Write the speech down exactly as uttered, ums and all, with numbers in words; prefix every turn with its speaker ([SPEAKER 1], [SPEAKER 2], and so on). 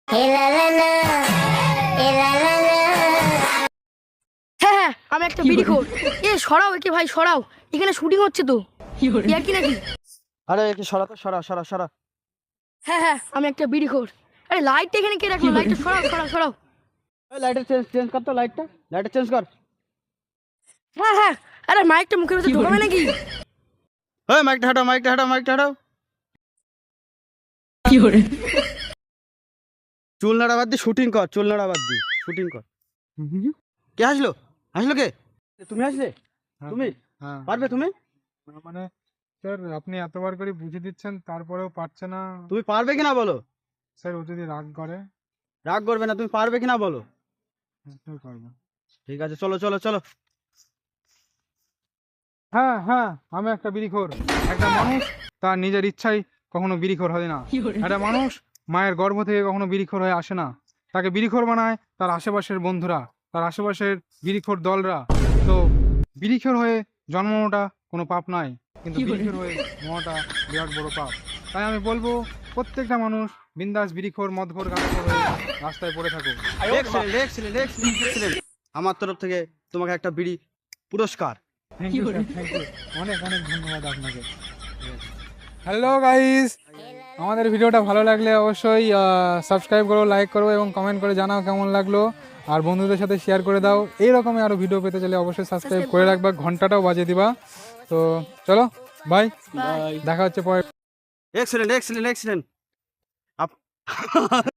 [SPEAKER 1] হ্যাঁ হ্যাঁ আমি একটা বিড়ি খোর। এ সরাও একে ভাই, সরাও, এখানে শুটিং হচ্ছে তো। ইয়া কি নাকি?
[SPEAKER 2] আরে একে সরা তো, সরা সরা সরা।
[SPEAKER 1] হ্যাঁ হ্যাঁ আমি একটা বিড়ি খোর। আরে লাইটটা এখানে কে রাখলো? লাইটটা সরাও সরাও সরাও।
[SPEAKER 2] এই লাইটের চেঞ্জ চেঞ্জ কর তো, লাইটটা লাইটটা চেঞ্জ কর।
[SPEAKER 1] হ্যাঁ হ্যাঁ আরে মাইকটা মুখের ভিতরে ঢোকাবে নাকি?
[SPEAKER 2] ওই মাইকটা হাঁটাও, মাইকটা হাঁটাও, মাইকটা হাঁটাও। চুল নাড়া বাদ দিয়ে শুটিং কর, চুল নাড়া বাদ দিয়ে শুটিং কর। কে আসলো? আসলো কে? তুমি আসলে?
[SPEAKER 3] হ্যাঁ,
[SPEAKER 2] তুমি
[SPEAKER 3] হ্যাঁ
[SPEAKER 2] পারবে? তুমি
[SPEAKER 3] না, মানে স্যার আপনি এতবার করে বুঝিয়ে দিচ্ছেন তারপরেও পারছে না।
[SPEAKER 2] তুমি পারবে কিনা বলো।
[SPEAKER 3] স্যার ও যদি রাগ করে
[SPEAKER 2] রাগ করবে না, তুমি পারবে কিনা বলো।
[SPEAKER 3] কি করবো?
[SPEAKER 2] ঠিক আছে, চলো চলো চলো।
[SPEAKER 3] হ্যাঁ হ্যাঁ আমি একটা বিড়িখোর। একটা মানুষ তার নিজের ইচ্ছায় কখনো বিড়িখোর হয় না। একটা মানুষ মায়ের গর্ভ থেকে কখনো বিড়িখোর হয়ে আসে না। তাকে বিড়িখোর বানায় তার আশেপাশের বন্ধুরা, তার আশেপাশের বিড়িখোর দলরা। তো বিড়িখোর হয়ে জন্মানোটা কোনো পাপ নয়, কিন্তু বিড়িখোর হয়ে মরাটা বিরাট বড় পাপ। তাই আমি বলবো প্রত্যেকটা মানুষ বিন্দাস বিড়িখোর মদখোর গাঁজাখোর হয়ে রাস্তায় পড়ে থাকুক।
[SPEAKER 2] Excellent excellent excellent. আমার তরফ থেকে তোমাকে একটা বিড়ি পুরস্কার।
[SPEAKER 3] Thank you sir, thank you, অনেক অনেক ধন্যবাদ আপনাকে। হ্যালো গাইস, আমাদের ভিডিওটা ভালো লাগলে অবশ্যই সাবস্ক্রাইব করো, লাইক করো এবং কমেন্ট করে জানাও কেমন লাগলো। আর বন্ধুদের সাথে শেয়ার করে দাও। এইরকমই আরও ভিডিও পেতে চাইলে অবশ্যই সাবস্ক্রাইব করে রাখবা, ঘন্টাটাও বাজিয়ে দিবা। তো চলো বাই, দেখা হচ্ছে পরে।
[SPEAKER 2] Excellent excellent excellent.